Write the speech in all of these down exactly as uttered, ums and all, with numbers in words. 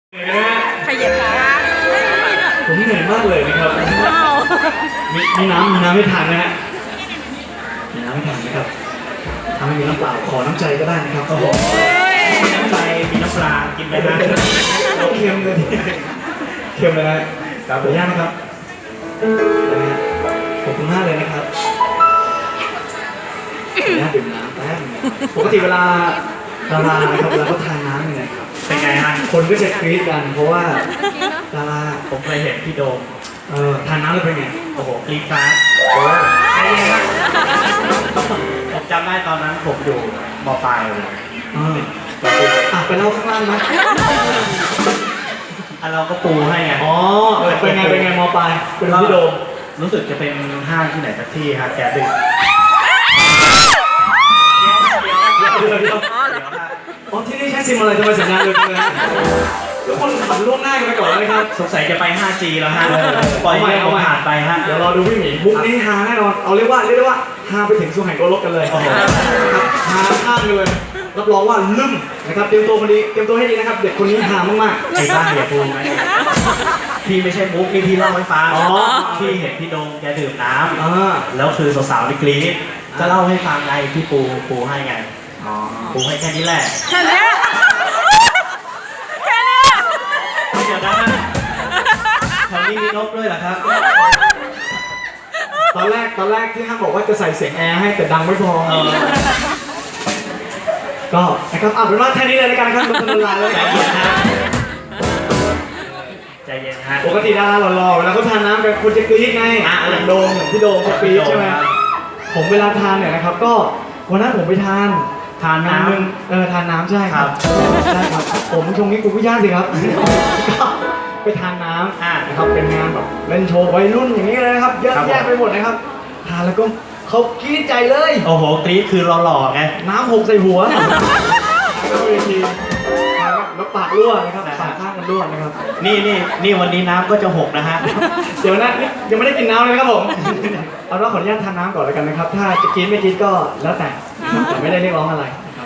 ขยับขาผมเหนื่อยมากเลยนะครับมีมีน้ำมีน้ำไม่ทานนะฮะมีน้ำไม่ทานนะครับถ้าไม่มีน้ำเปล่าขอน้ำใจก็ได้นะครับเขาบอกมีน้ำใจมีน้ำปลากินไหมฮะเราเค็มเลยเค็มเลยนะขออนุญาตนะครับนะฮะขอบคุณมากเลยนะครับขออนุญาตดื่มน้ำแป๊บนึงปกติเวลาดารานะครับเวลาเขาทานน้ำเนี่ยเป็นไงฮะคนก็จะกรี๊ดกันเพราะว่าดาราผมเคยเห็นพี่โดมเออทานน้ำแล้วเป็นไงโอ้โหกรี๊ดฟ้าโอ้ใช่ไหมครับผมจำได้ตอนนั้นผมอยู่ม.ปลายเลยอ่าอ่ะไปเล่าข้างล่างไหมอ่ะเราก็ปูให้ไงอ๋อเป็นไงเป็นไงม.ปลายเป็นพี่โดมรู้สึกจะเป็นห้างที่ไหนสักที่ฮะแกดึกเดี๋ยวเดี๋ยวอ๋อที่นี่ใช้ซิมอะไรทำไมสัญญาณเร็วจังเลยทุกคนขับล่วงหน้ากันไปก่อนเลยครับสงสัยจะไป ห้าจี แล้วฮะปล่อยให้เขาผ่านไปฮะเดี๋ยวรอดูพี่หมีมุกนี้ฮาแน่นอนเอาเรียกว่าเรียกได้ว่าฮาไปถึงสุไหงโกลกกันเลยครับฮาข้ามกันเลยรับรองว่าลืมนะครับเตรียมตัวมาดีเตรียมตัวให้ดีนะครับเด็กคนนี้ฮามากๆไอ้บ้าอย่าพูดไหมพี่ไม่ใช่มุกนี่พี่เล่าให้ฟังอ๋อพี่เห็นพี่โดมแกดื่มน้ำแล้วคือสาวๆนี่กรี๊ดจะเล่าให้ฟังไงพี่ปูปูให้ไงอ๋อปูให้แค่นี้แหละแค่นี้แค่นี้เดี๋ยวนะแถวนี้มีนกด้วยเหรอครับตอนแรกตอนแรกที่ห้างบอกว่าจะใส่เสียงแอร์ให้แต่ดังไม่พอก็นะครับเอาเป็นว่าแค่นี้เลยในการขั้นบนถนนลายเลยใจเย็นฮะใจเย็นฮะปกติดาราหล่อๆเวลาเขาทานน้ำกันคนจะกรี๊ดไงอย่างโดมอย่างพี่โดมเขากรี๊ดใช่ไหมผมเวลาทานเนี่ยนะครับก็วันนั้นผมไปทานทานน้ำเออทานน้ำใช่ครับใช่ครับผมชงนี้กูไม่ยากสิครับก็ไปทานน้ำนะครับเป็นงานแบบเล่นโชว์วัยรุ่นอย่างนี้เลยนะครับเยอะแยะไปหมดนะครับทานแล้วก็เขากรี๊ดใจเลยโอ้โหกรี๊ดคือหล่อๆไงน้ำหกใส่หัวแล้วเวทีแล้วปากรั่วนะครับปากข้างมันรั่วนะครับนี่นี่นี่วันนี้น้ำก็จะหกนะฮะเดี๋ยวนะยังไม่ได้กินน้ำเลยครับผมเอาเราขออนุญาตทานน้ำก่อนแล้วกันนะครับถ้าจะกินไม่กินก็แล้วแต่แต่ไม่ได้เรียกร้องอะไรนะครับ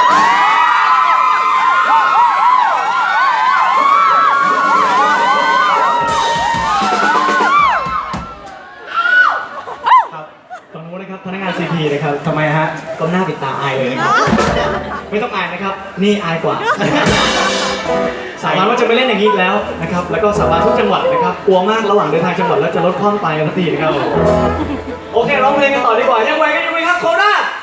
ตรงนู้นนะครับพนักงาน ซี พี นะครับทำไมฮะก็หน้าปิดตาอายเลยนะครับไม่ต้องอายนะครับนี่อายกว่าสาบานว่าจะไม่เล่นอย่างนี้แล้วนะครับแล้วก็สาบานทุกจังหวัดนะครับกลัวมากระหว่างเดินทางจังหวัดแล้วจะลดความไปทันทีนะครับโอเคร้องเพลงกันต่อดีกว่ายังไหวกันอยู่ไหมครับโคราช